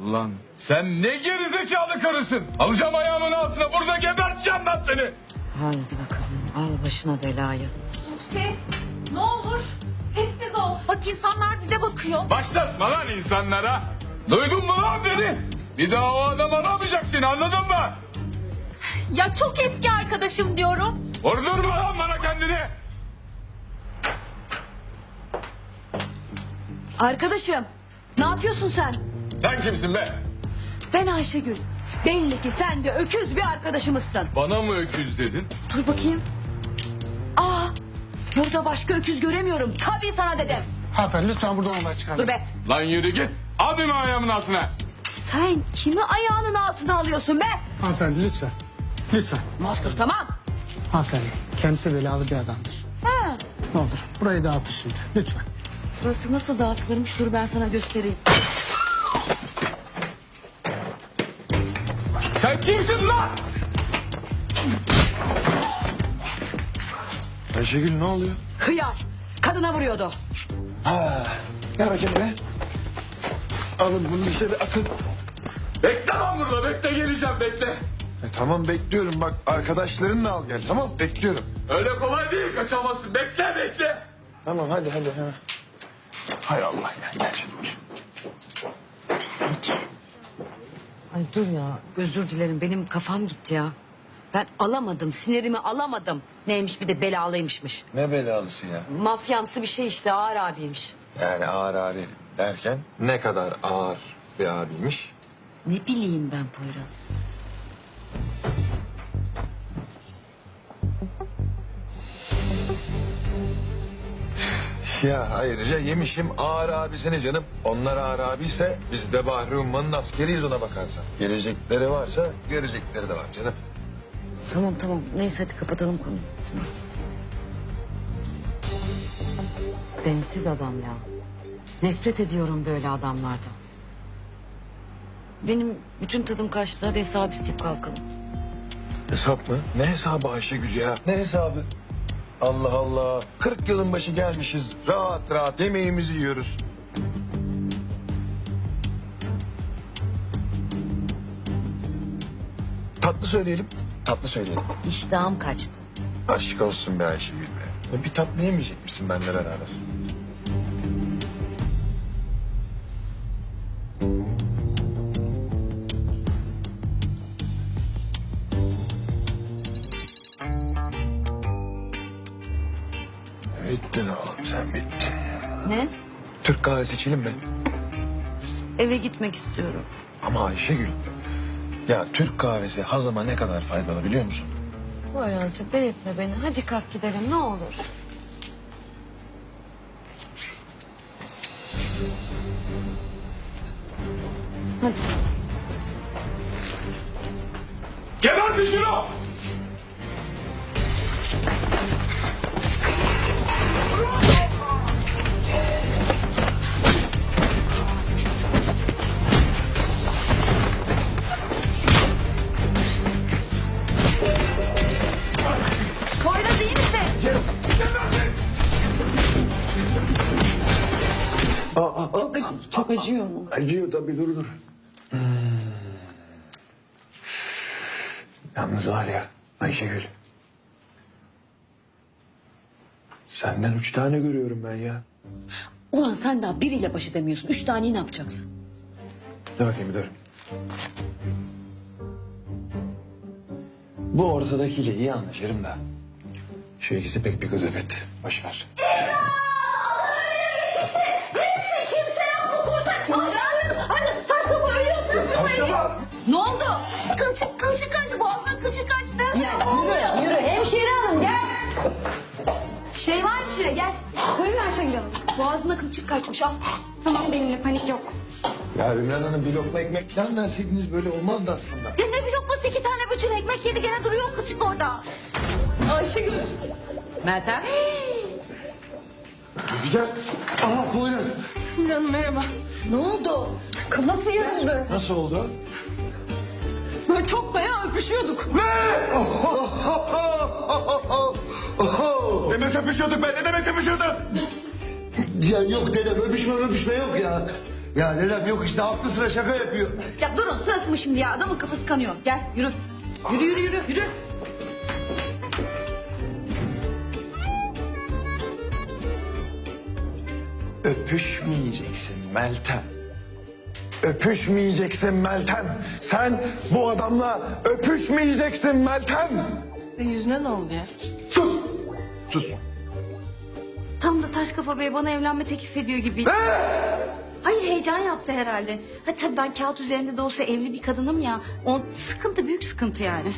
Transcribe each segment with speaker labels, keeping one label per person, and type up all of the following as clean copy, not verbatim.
Speaker 1: Lan sen ne gerizekalı karısın. Alacağım ayağımın altına, burada geberteceğim ben seni.
Speaker 2: Haydi bakalım, al başına belayı.
Speaker 3: Be, ne olur sessiz ol. Bak insanlar bize bakıyor.
Speaker 1: Başlatma lan insanlara. Duydun mu lan beni? Bir daha o adam aramayacak seni, anladın mı?
Speaker 3: Ya çok eski arkadaşım diyorum.
Speaker 1: Vurdurma lan bana kendini.
Speaker 2: Arkadaşım, ne yapıyorsun sen?
Speaker 1: Sen kimsin be?
Speaker 2: Ben Ayşegül. Belli ki sen de öküz bir arkadaşımızsın.
Speaker 1: Bana mı öküz dedin?
Speaker 2: Dur bakayım. Aa, burada başka öküz göremiyorum. Tabii sana dedim.
Speaker 4: Hanımefendi lütfen buradan olay çıkarmayın.
Speaker 2: Dur be.
Speaker 1: Lan yürü git. Al beni ayağımın altına.
Speaker 2: Sen kimi ayağının altına alıyorsun be?
Speaker 4: Hanımefendi lütfen. Lütfen.
Speaker 2: Mazkur tamam.
Speaker 4: Hanımefendi kendisi belalı bir adamdır.
Speaker 2: Ha.
Speaker 4: Ne olur burayı dağıtır şimdi lütfen.
Speaker 2: Burası nasıl dağıtılırmış, dur ben sana göstereyim.
Speaker 1: Sen kimsin lan?
Speaker 5: Ayşegül ne oluyor?
Speaker 2: Hıyar. Kadına vuruyordu.
Speaker 5: Gel bakayım be. Alın bunu dışarı atın.
Speaker 1: Bekle lan burada, bekle, geleceğim, bekle.
Speaker 5: Tamam bekliyorum bak arkadaşlarınla al gel tamam bekliyorum.
Speaker 1: Öyle kolay değil, kaçamazsın. Bekle, bekle.
Speaker 5: Tamam hadi. Ha. Hay Allah ya gel şimdi.
Speaker 2: Pislik. Ay dur ya, özür dilerim, benim kafam gitti ya. Ben alamadım, sinirimi alamadım. Neymiş bir de belalıymışmış.
Speaker 5: Ne belalısı ya?
Speaker 2: Mafyamsı bir şey işte, ağır abiymiş.
Speaker 5: Yani ağır abi derken ne kadar ağır bir abiymiş?
Speaker 2: Ne bileyim ben Poyraz.
Speaker 5: Ya ayrıca yemişim ağır abisini canım. Onlar ağır abiyse biz de Bahri Umman'ın askeriyiz ona bakarsan. Gelecekleri varsa görecekleri de var canım.
Speaker 2: Tamam, neyse hadi kapatalım konuyu. Tamam. Densiz adam ya. Nefret ediyorum böyle adamlardan. Benim bütün tadım kaçtı, hadi hesabı isteyip kalkalım.
Speaker 5: Hesap mı? Ne hesabı Ayşegül ya? Ne hesabı? Allah Allah. 40 yılın başı gelmişiz. Rahat rahat yemeğimizi yiyoruz. Tatlı söyleyelim. Tatlı söyleyelim.
Speaker 2: İştahım kaçtı.
Speaker 5: Aşk olsun be Ayşegül be. Bir tatlı yemeyecek misin benimle beraber? Bittin oğlum sen bittin.
Speaker 2: Ne?
Speaker 5: Türk kahvesi içelim mi?
Speaker 2: Eve gitmek istiyorum.
Speaker 5: Ama Ayşegül, ya Türk kahvesi hazıma ne kadar faydalı biliyor musun?
Speaker 2: Poyrazcığım delirtme beni. Hadi kalk gidelim ne olur. Hadi.
Speaker 1: Gebertin şunu!
Speaker 2: Poyraz iyi misin? Çok acıyor mu?
Speaker 5: Acıyor tabii dur. Yalnız var ya Ayşegül. Senden 3 tane görüyorum ben ya.
Speaker 2: Ulan sen daha biriyle baş edemiyorsun. 3 taneyi ne yapacaksın?
Speaker 5: Dur bakayım dur. Bu ortadakiyle iyi anlaşırım da. Şu ikisi pek bir gıdıbet. Boş ver.
Speaker 2: Ne oldu?
Speaker 3: Kılçık kaçtı. Boğazdan kılçık kaçtı.
Speaker 2: Yürü hemşire hanım gel. Şey var hemşire gel.
Speaker 6: Buyurun Ayşegül Hanım.
Speaker 2: Boğazına kılçık kaçmış al.
Speaker 6: Tamam benimle panik yok.
Speaker 5: Ya Ümran Hanım bir lokma ekmek falan verseydiniz böyle olmazdı aslında.
Speaker 3: Ya ne bir lokması 2 tane bütün ekmek yedi gene duruyor kılçık orada. Ayşegül.
Speaker 2: Meltem.
Speaker 5: Rüzgar. Aha Poyraz.
Speaker 3: Merhaba.
Speaker 2: Ne oldu?
Speaker 3: Kafası yarıldı.
Speaker 5: Nasıl oldu?
Speaker 3: Böyle çok bayağı öpüşüyorduk.
Speaker 5: Demek öpüşüyorduk be. Ne demek öpüşüyorduk? Ya yok dedem öpüşme yok ya.
Speaker 7: Ya dedem yok işte aklı sıra şaka yapıyor.
Speaker 2: Ya durun sırası mı şimdi ya? Adamın kafası kanıyor. Gel yürü. Yürü.
Speaker 5: Öpüşmeyeceksin Meltem. Öpüşmeyeceksin Meltem. Sen bu adamla öpüşmeyeceksin Meltem.
Speaker 3: Yüzüne ne oldu ya?
Speaker 5: Sus.
Speaker 8: Tam da taş kafa bey bana evlenme teklif ediyor gibi. Hayır heyecan yaptı herhalde. Ha tabii ben kağıt üzerinde de olsa evli bir kadınım ya. O sıkıntı büyük sıkıntı yani.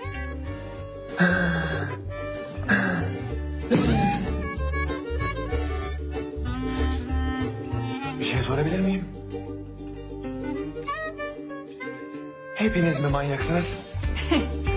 Speaker 5: Bir şey sorabilir miyim? Hepiniz mi manyaksınız?